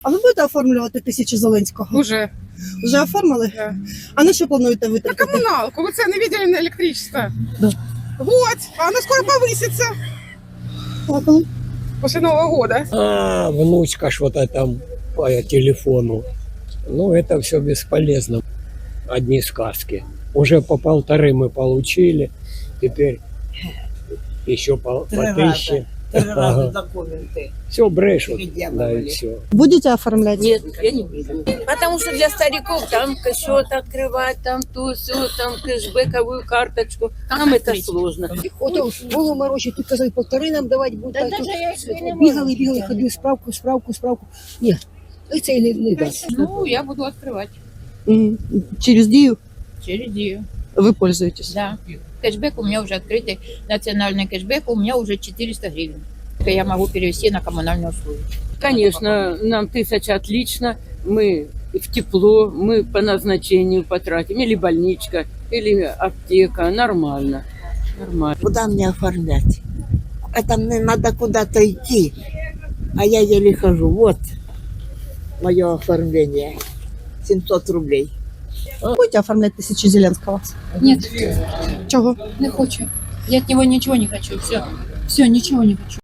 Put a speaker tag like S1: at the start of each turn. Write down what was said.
S1: А ви будете оформлювати 1000 Зеленського?
S2: Уже.
S1: Вже оформили?
S2: Да.
S1: А на що плануєте
S2: На
S1: витратити?
S2: коммуналку. Вы цены видели на электричество?
S1: Да.
S2: Вот. А она скоро повысится.
S1: А коли?
S2: После Нового года.
S3: А, внучка что-то там по телефону. Ну, это все бесполезно. Одни сказки. Уже по 1,5 мы получили. Теперь еще по 1000.
S4: Три раза документы.
S3: Все брешут.
S4: Переделывали.
S3: Да, и все.
S1: Будете оформляти?
S5: Нет, я не буду. Потому что для стариков там счет открывать, там то, все, там кэшбэковую карточку. Нам это сложно.
S6: Ото голову морочить, тут казали, 1,5 нам давати будуть. А тут бігали, ходили, справку. Ні, це і не дасть.
S7: Ну, я буду открывать
S1: Через Дію
S7: через Дию.
S1: ви пользуєтесь?
S7: Да. Кэшбэк у меня уже открытый, национальный кэшбэк у меня уже 400 гривен. Я могу перевести на коммунальные услуги.
S5: Конечно, нам 1000 отлично. Мы в тепло, мы по назначению потратим. Или больничка, или аптека. Нормально. Нормально.
S4: Куда мне оформлять? Это мне надо куда-то идти, а я еле хожу. Вот мое оформление. 700 рублей.
S1: Будете оформляти 1000 Зеленського?
S7: Нет,
S1: Чого?
S7: не хочу. Я от него ничего не хочу. Все, ничего не хочу.